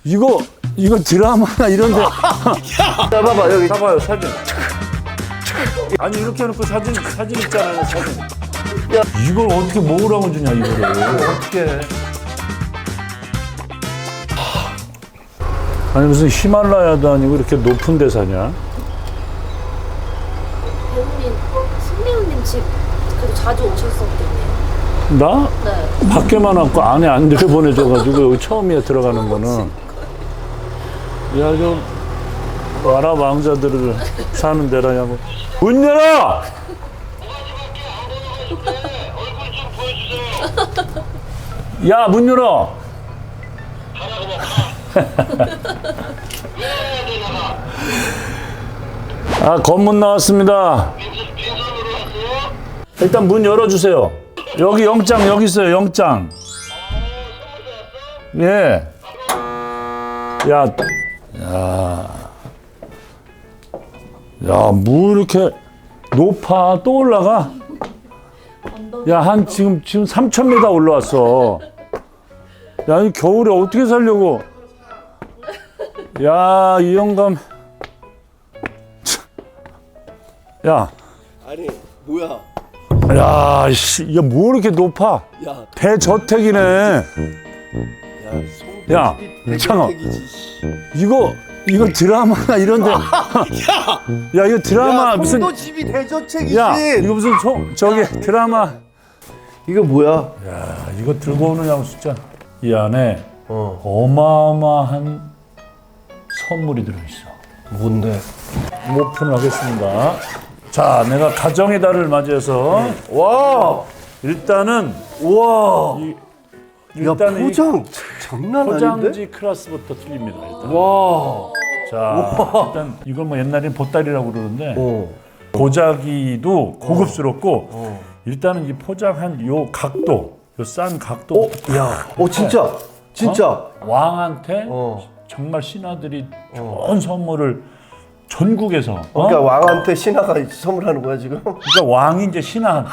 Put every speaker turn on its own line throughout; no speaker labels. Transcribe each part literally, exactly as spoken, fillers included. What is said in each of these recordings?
이거 이거 드라마나 이런데.
야, 봐봐 여기.
봐봐요 사진. 아니 이렇게 해놓고 사진 사진 있잖아요 사진.
야.
이걸 어떻게 먹으라고 주냐 이거를.
어떻게?
아니 무슨 히말라야도 아니고 이렇게 높은 데 사냐?
배우님, 신배우님 집 그래도 자주 오셨었겠네요.
나?
네.
밖에만 왔고 안에 안 들여보내줘가지고 여기 처음이야 들어가는 거는. 야 좀 아랍 왕자들을 사는 데라냐고. 문 열어! 야 문 열어! 아 검문 나왔습니다. 일단 문 열어주세요. 여기 영장 여기 있어요 영장. 예. 야, 야, 야, 뭐 이렇게 높아 또 올라가? 야, 한 지금 지금 삼천 미터 올라왔어. 야, 이 겨울에 어떻게 살려고? 야, 이 영감. 야,
아니 뭐야?
야, 씨, 야, 뭐 이렇게 높아?
야,
대저택이네.
야,
야, 창아.
대저택이지.
이거 이거 드라마나 이런데. 야, 이거 드라마
야,
무슨?
송도 집이 대저택이지.
야, 이거 무슨 소, 저기 드라마.
이거 뭐야?
야, 이거 들고 오느냐고 진짜. 이 안에
어.
어마어마한 선물이 들어있어.
뭔데?
오픈을 하겠습니다. 자, 내가 가정의 달을 맞이해서
와,
일단은
와.
이,
야,
일단 이
포장 장난 아닌데?
포장지 클래스부터 틀립니다. 일단.
와.
자, 일단 이걸 뭐 옛날엔 보따리라고 그러는데
어.
보자기도 고급스럽고
어.
일단은 이 포장한 요 각도, 요 싼 각도.
어, 야, 어 진짜, 진짜.
어? 왕한테
어.
정말 신하들이 좋은 선물을 전국에서. 어?
그러니까 왕한테 신하가 선물하는 거야 지금?
그러니까 왕이 이제 신하한테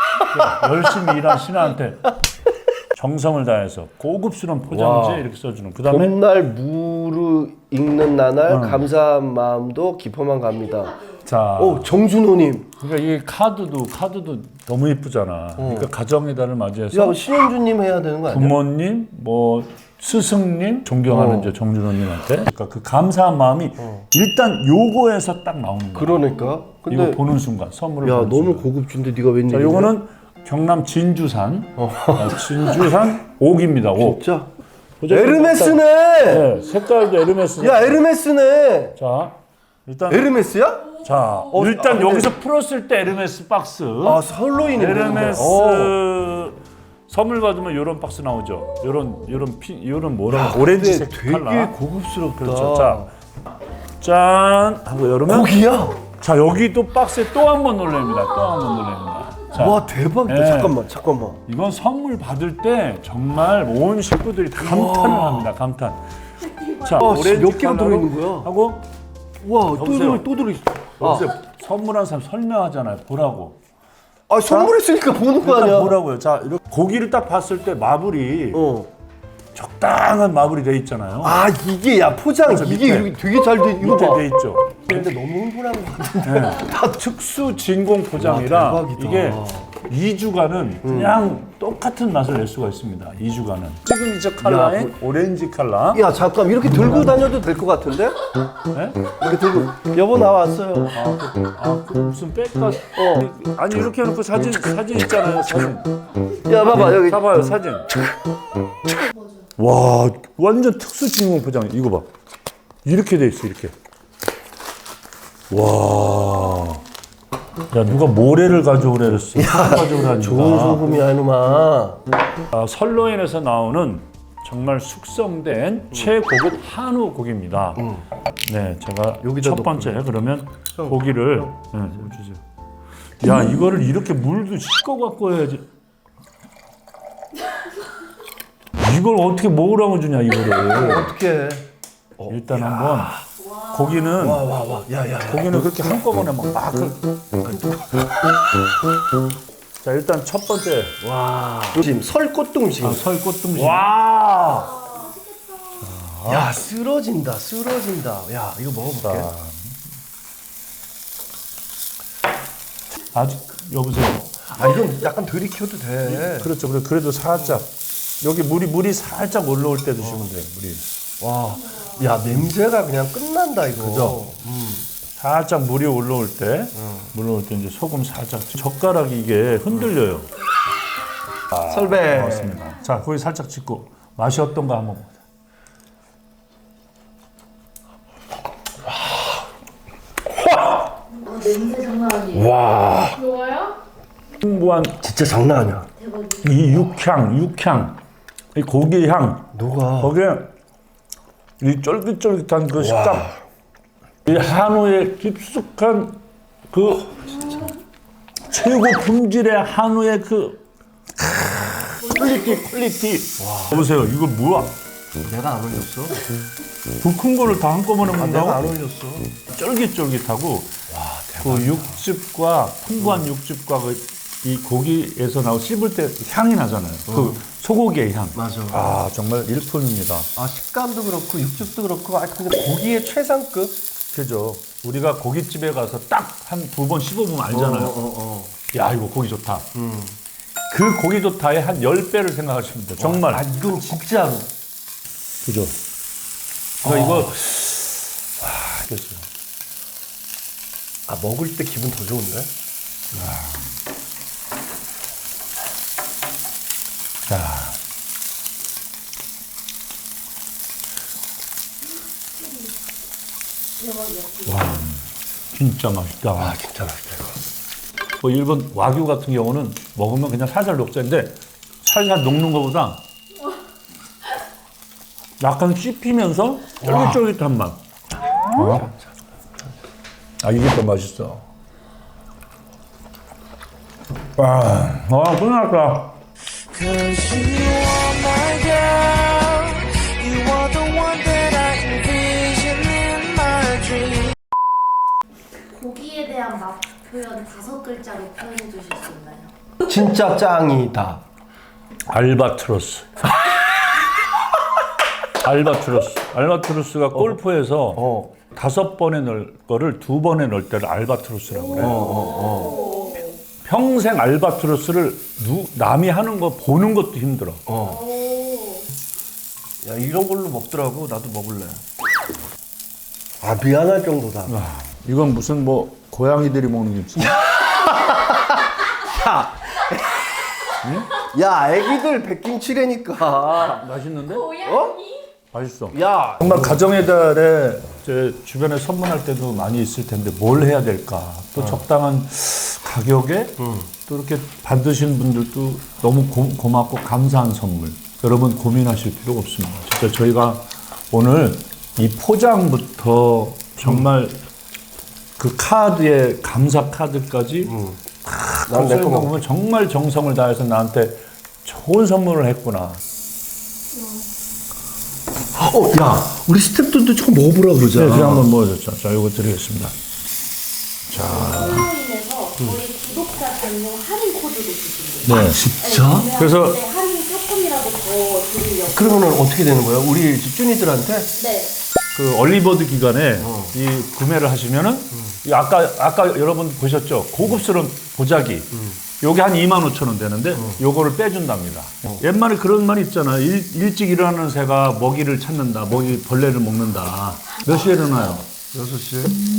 열심히 일한 신하한테 정성을 다해서 고급스러운 포장지에
와.
이렇게 써주는. 그다음에
봄날 무르 익는 나날 감사한 마음도 깊어만 갑니다.
자,
오, 정준호님.
그러니까 이 카드도 카드도 너무 예쁘잖아. 그러니까 가정의 달을 맞이해서
야, 신현주님 해야 되는 거 아니야?
부모님, 뭐 스승님 존경하는
어.
이제 정준호님한테. 그러니까 그 감사한 마음이 일단 요거에서 딱 나오는 거야.
그러니까. 근데
이거 보는 순간 선물을
야,
보는
너무
순간.
고급진데 네가 웬일이야?
자, 요거는 경남 진주산 아, 진주산 옥입니다. 옥.
진짜?
보자,
에르메스네.
네, 색깔도 에르메스.
야, 에르메스네.
자, 일단
에르메스야?
자, 일단
아, 근데-
여기서 풀었을 때 에르메스 박스.
아, 설로인이
에르메스
어.
선물 받으면 이런 박스 나오죠. 이런 이런 피 이런 뭐라 오렌지색
되게
컬러.
고급스럽다.
그렇죠. 자, 짠 하고 열으면
고기야?
자, 여기 또 박스에 또 한 번 놀랍니다. 또 한 번 놀랍니다. 자,
와, 대박이다.
네.
잠깐만, 잠깐만.
이건 선물 받을 때 정말 온 식구들이 다 감탄을 합니다. 감탄. 자,
와,
오렌지
몇 개가
컬러로
들어있는 거야?
하고
와, 또
여보세요?
들어, 또 들어있어.
여기서 선물한 사람 설명하잖아요. 보라고.
아, 선물했으니까 보는 거
일단
아니야?
보라고요. 자, 이렇게 고기를 딱 봤을 때 마블이
어.
적당한 마블이 돼 있잖아요.
아, 이게 야 포장
그렇죠,
이게
밑에.
이렇게 되게 잘 돼. 이거
밑에
봐.
돼 있죠.
근데 너무 흥분한 거 같은데.
네. 다 특수 진공 포장이라
와, 대박이다.
이게 이 주간은 그냥 똑같은 맛을 낼 수가 있습니다. 이 주간은. 시그니처 컬러인 오렌지 컬러.
야, 잠깐 이렇게 들고 다녀도 될 것 같은데?
네?
이렇게 들고. 여보 나왔어요.
아, 그 무슨 백가? 어. 아니 이렇게 해놓고 사진 사진 있잖아요. 사진.
야, 봐봐 여기.
봐봐요 사진. 와, 완전 특수 진공 포장. 이거 봐. 이렇게 돼 있어 이렇게. 와. 야, 누가 모래를 가져오래 그랬어. 가져오라니까.
좋은 소금이야 이놈아.
아, 설로인에서 나오는 정말 숙성된 최고급 한우 고기입니다. 네, 제가
여기다
첫
넣고.
번째 그러면 고기를 네, 주세요. 야, 이거를 이렇게 물도 씻고 갖고 해야지. 이걸 어떻게 먹으라고 주냐 이거를.
어떻게?
일단 한번 고기는
와, 와, 와. 야, 야.
고기는 그렇게 한꺼번에 막 막. 자, 일단 첫 번째
와. 지금 설꽃등심.
아, 설꽃등심. 와. 자,
야 쓰러진다 쓰러진다. 야 이거 먹어볼게.
아직 여보세요.
아 이건 약간 들이켜도 돼.
그렇죠. 그래 그래도 살짝 여기 물이 물이 살짝 올라올 때 드시면 돼요. 물이
와, 야 냄새가 그냥 끝난다 이거.
그죠?
음.
살짝 물이 올라올 때, 물 올라올 때 이제 소금 살짝 젓가락이 이게 흔들려요.
설배.
고맙습니다. 자, 거기 살짝 찍고 맛이 어떤가 한번 보자.
냄새 장난 아니에요.
와,
좋아요?
풍부한
진짜 장난 아니야.
이 육향, 육향, 이 고기 향,
누가?
거기에 이 쫄깃쫄깃한 그 식감, 이 한우의 깊숙한 그 최고 품질의 한우의 그 퀄리티, 퀄리티. 보세요, 이거 뭐야?
내가 안 올렸어.
그 큰 거를 다 한꺼번에
아, 내가
먹는다고?
안 올렸어.
쫄깃쫄깃하고 그 육즙과 풍부한 육즙과 그 이 고기에서 나오 씹을 때 향이 나잖아요. 그 소고기의 향.
맞아.
아 정말 일품입니다.
아 식감도 그렇고 육즙도 그렇고 아 근데 고기의 최상급.
그죠? 우리가 고깃집에 가서 딱 한 두 번 씹어보면 알잖아요.
어, 어, 어.
야 이거 고기 좋다.
음.
그 고기 좋다의 한 열 배를 생각하시면 돼요. 정말.
아 이건 진짜로.
그죠? 그러니까 이거 와 그죠?
아 먹을 때 기분 더 좋은데?
자. 와, 진짜 맛있다.
아 진짜 맛있다 이거.
뭐 일본 와규 같은 경우는 먹으면 그냥 살살 녹자인데 살살 녹는 것보다 약간 씹히면서 쫄깃쫄깃한 맛. 어? 아 이게 더 맛있어. 와, 와 끝났다.
Cause you are my girl. You are the one that I envision in my dream.
고기에 대한 맛 표현 다섯 글자로 표현해 주실 수 있나요?
진짜 짱이다.
알바트로스. 알바트로스. 알바트로스가 골프에서
어.
다섯 번에 넣을 거를 두 번에 넣을 때를 알바트로스라고 그래요.
어, 어, 어.
평생 알바트로스를 누, 남이 하는 거 보는 것도 힘들어.
어. 야 이런 걸로 먹더라고. 나도 먹을래. 아 미안할 정도다.
아, 이건 무슨 뭐 고양이들이 먹는 김치?
야 애기들 백김치래니까.
맛있는데?
어?
맛있어.
야.
정말 가정의 달에 제 주변에 선물할 때도 많이 있을 텐데 뭘 해야 될까? 또 적당한 가격에 또 이렇게 받으신 분들도 너무 고, 고맙고 감사한 선물. 여러분 고민하실 필요가 없습니다. 진짜 저희가 오늘 이 포장부터 정말 그 카드에 감사 카드까지
난 내 거 먹어.
보면 정말 정성을 다해서 나한테 좋은 선물을 했구나.
어, 야, 우리 스태프들도 조금 먹어보라 그러자.
네, 그냥 한번 먹어줬죠. 자, 이거 드리겠습니다.
온라인에서 저희 구독자 전용 할인 코드도 주신대요.
네.
진짜?
그래서-
네, 할인 조금이라도 더 드리려고.
그러면 어떻게 되는 거야? 우리 집주니들한테?
네.
그 얼리버드 기간에 이 구매를 하시면은 이 아까 아까 여러분 보셨죠? 고급스러운 보자기. 요게 한 이만 오천 원 되는데 요거를 빼준답니다. 옛말에 그런 말 있잖아. 일, 일찍 일어나는 새가 먹이를 찾는다. 먹이 벌레를 먹는다. 몇 시에 일어나요?
여섯 시.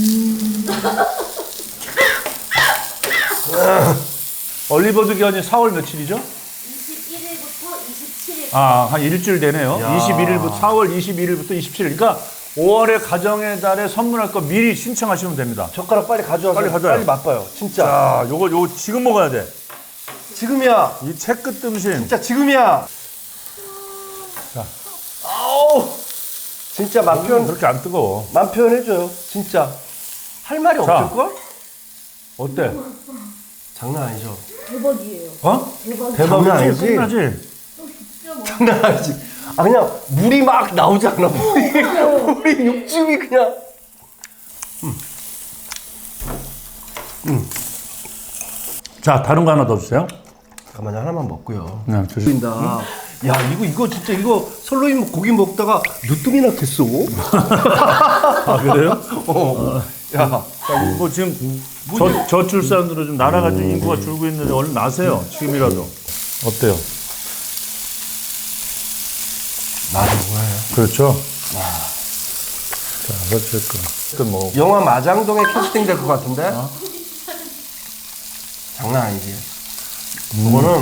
얼리버드 기간이 사월 며칠이죠?
이십일일부터 이십칠일.
아, 한 일주일 되네요.
야.
이십일일부터 사월 이십일일부터 이십칠일. 그러니까 오월에 가정의 달에 선물할 거 미리 신청하시면 됩니다.
젓가락 빨리 가져와서
빨리 가져와요.
빨리 맛봐요. 진짜.
자, 요거 요거 지금 먹어야 돼.
지금이야.
이 채끝 뜸신.
진짜 지금이야.
자.
아우. 진짜 맛 표현,
그렇게 안 뜨거워.
맛 표현해줘요. 진짜. 할 말이
자.
없을걸?
어때?
장난 아니죠?
대박이에요.
어?
대박.
장난
대박이지?
아니지?
끝나지?
장난 아니지? 아, 그냥 물이 막 나오잖아. 물이, 물이 육즙이 그냥.
자, 다른 거 하나 더 주세요.
잠깐만요. 하나만 먹고요.
네, 주세요.
보인다. 야 이거 이거 진짜 이거 설로인 고기 먹다가 늦둥이나 됐어.
아 그래요?
어. 야.
뭐 지금 저, 저출산으로 좀 나라가 좀 인구가 줄고 있는데 얼른 나세요. 지금이라도. 어때요?
맞아 뭐예요?
그렇죠. 자, 어쨌든. 어쨌든 뭐.
영화 마장동에 캐스팅 될 것 같은데? 장난 아니지. 이거는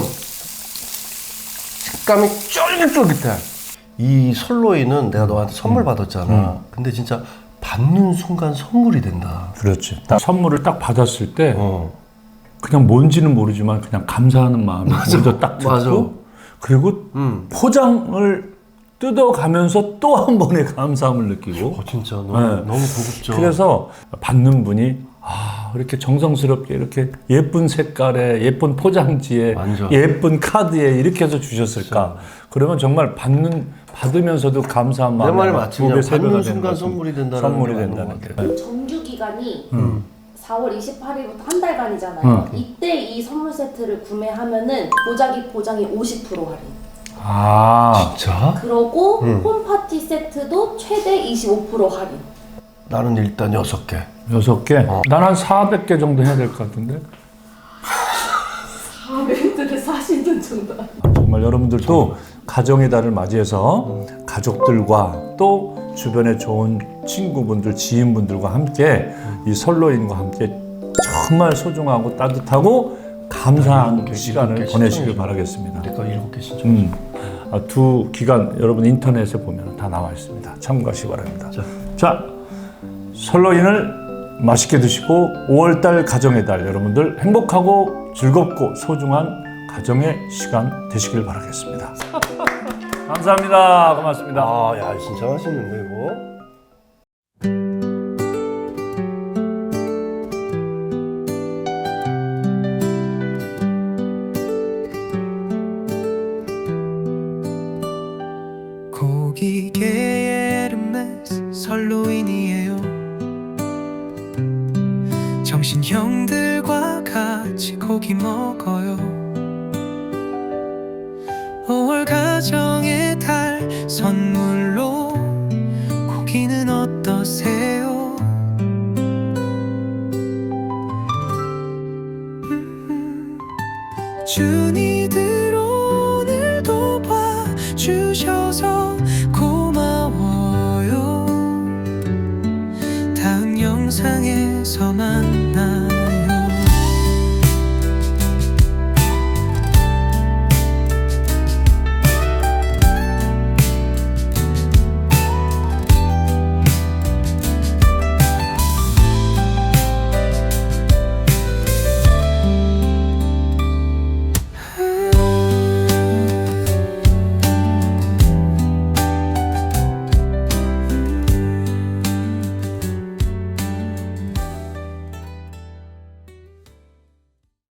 식감이 쫄깃쫄깃해. 이 설로이는 내가 너한테 선물 받았잖아. 근데 진짜 받는 순간 선물이 된다.
그렇지. 딱 선물을 딱 받았을 때
어.
그냥 뭔지는 모르지만 그냥 감사하는 마음이 먼저 딱 들고
맞아.
그리고
음.
포장을 뜯어가면서 또 한 번의 감사함을 느끼고
어 진짜 너무
네.
너무 고급져.
그래서 받는 분이 아 이렇게 정성스럽게 이렇게 예쁜 색깔에 예쁜 포장지에
완전.
예쁜 카드에 이렇게 해서 주셨을까 그러면 정말 받는 받으면서도 감사한
내
마음이
말이
아마
맞지.
두 배,
그냥
세 배가
받는
되는
순간
것은
선물이 된다는
선물이
게 맞는
된다는
것
게
같아요.
정규 기간이
음.
사월 이십팔일부터 한 달간이잖아요.
음.
이때 이 선물 세트를 구매하면은 보자기 포장이 오십 퍼센트 할인.
아
진짜?
그러고
음.
홈파티 세트도 최대 이십오 퍼센트 할인.
나는 일단 여섯 개.
여섯 개? 난 한 사백 개 정도 해야 될 것 같은데
사백들을 사시는 정도.
정말 여러분들도 가정의 달을 맞이해서 가족들과 또 주변에 좋은 친구분들, 지인분들과 함께 이 설로인과 함께 정말 소중하고 따뜻하고 감사한
일곱 개,
시간을
일곱 개
보내시길
신청해.
바라겠습니다.
내가 일곱 개 신청.
음, 아, 두 기간 여러분 인터넷에 보면 다 나와 있습니다. 참고하시기 바랍니다.
자.
자, 설로인을 맛있게 드시고 오월달 가정의 달 여러분들 행복하고 즐겁고 소중한 가정의 시간 되시길 바라겠습니다. 감사합니다. 고맙습니다.
아, 야, 진짜 맛있는데 이거.
고기계의 에르메스 설로인이에요. 정신형들과 같이 고기 먹어요. 오월 가정의 달 선물